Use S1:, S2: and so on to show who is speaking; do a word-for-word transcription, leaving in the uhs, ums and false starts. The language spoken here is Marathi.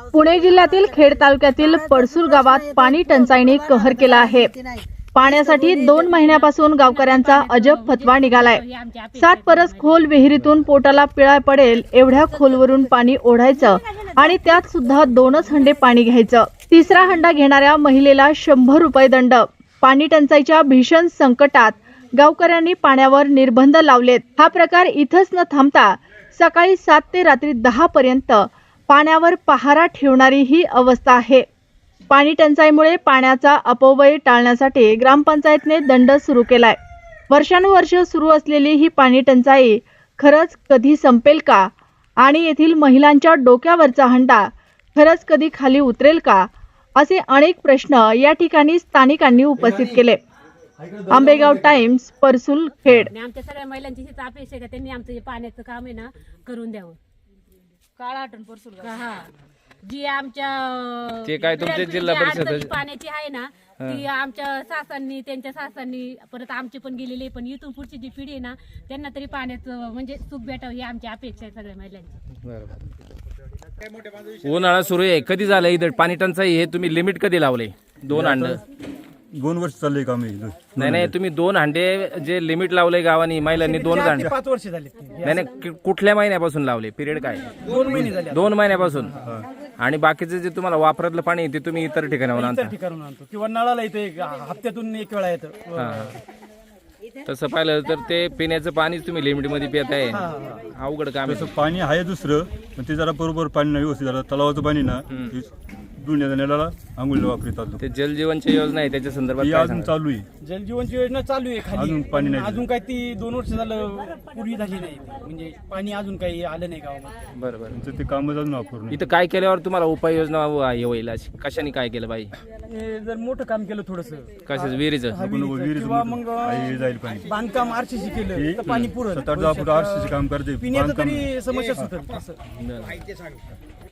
S1: पुणे जिल्ह्यातील खेड तालुक्यातील पडसूल गावात पाणी टंचाईने कहर केला आहे। पाण्यासाठी दोन महिन्यापासून गावकऱ्यांचा अजब फतवा निघालाय। सात परस खोल विहिरीतून पोटाला पिळा पडेल एवढ्या खोलवरून पाणी ओढायचं आणि त्यात सुद्धा दोनच हंडे पाणी घ्यायचं। तिसरा हंडा घेणाऱ्या महिलेला शंभर रुपये दंड। पाणी टंचाईच्या भीषण संकटात गावकऱ्यांनी पाण्यावर निर्बंध लावलेत। हा प्रकार इथंच न थांबता सकाळी सात ते रात्री दहा पर्यंत पाण्यावर पहारा ठेवणारी ही अवस्था आहे। पाणी टंचाईमुळे पाण्याचा अपव्यय टाळण्यासाठी ग्रामपंचायतने दंड सुरू केलाय। वर्षानुवर्ष सुरू असलेली ही पाणी टंचाई खरंच कधी संपेल का आणि येथील महिलांच्या डोक्यावरचा हंडा खरंच कधी खाली उतरेल का असे अनेक प्रश्न या ठिकाणी स्थानिकांनी उपस्थित केले। आंबेगाव टाइम्स, परसूल, खेड।
S2: आमच्या सगळ्या महिलांची हीच अपेक्षा आहे का त्यांनी आमचं जे पाण्याचं काम आहे ना करून द्यावं। काळा आठवण परसूल हा जी आमच्या
S3: ते काय तुमच्या जिल्हा परिषद
S2: पाण्याची आहे ना ती आमच्या सासांनी त्यांच्या सासांनी परत आमची पण गेलेली, पण इथून पुढची जी पिढी आहे ना त्यांना तरी पाण्याचं म्हणजे सुख भेटावं ही आमची अपेक्षा आहे सगळ्या महिलांची।
S3: बरोबर। उन्हाळा सुरू आहे, कधी झालं इथं पाणी टंचाई? हे तुम्ही लिमिट कधी लावले? दोन हांड
S4: दोन वर्ष चालले काम हे।
S3: नाही नाही, तुम्ही दोन हांडे जे लिमिट लावले गावानी महिलांनी दोन हांडे
S5: पाच वर्ष झाले।
S3: नाही नाही, कुठल्या महिन्यापासून लावले? पिरियड काय?
S5: दोन महिने झाले।
S3: दोन महिन्यापासून। आणि बाकीचे जे तुम्हाला वापरातलं पाणी ते तुम्ही इतर ठिकाणावर आणता?
S5: इतर ठिकाणून आणतो किंवा नळाला येते, हप्त्यातून एक वेळा येतं।
S3: तसं पाहिलं तर ते पिण्याचं पाणी तुम्ही लिमिट मध्ये पित आहे, अवघड काम आहे।
S4: तसं पाणी आहे दुसरं, पण ते जरा बरोबर पाणी नाही व्यवस्थित झालं। तलावाचं पाणी ना दुनिया नळाला आंघोळीला वापरतात।
S3: ते जल जीवनची योजना आहे त्याच्या संदर्भात
S4: ती
S3: काय
S4: अजून
S3: सांगाल?
S4: चालू आहे।
S5: जल जीवनची योजना चालू आहे खाली,
S4: अजून पाणी नाही
S5: अजून काही ती दोन वर्ष झालं पूर्वी झाली नाही, म्हणजे पाणी अजून काही आलं नाही गावामध्ये।
S3: बरोबर।
S4: त्यांचं ते कामच अजून वापरून
S3: इथं काय केल्यावर तुम्हाला उपाययोजना हे होईल अशी? कशाने काय केलं पाहिजे?
S5: हे जर मोठं काम केलं थोडस
S3: कशाच? विहिरीचं?
S5: किंवा मग
S4: जाईल पाणी।
S5: बांधकाम आरसीसी केलं तर पाणी पुरत
S4: सात आठ दहा फूट आरसीसी काम करते,
S5: पिण्याचं
S4: बांधकाम
S5: तरी समस्या सुटेल असं।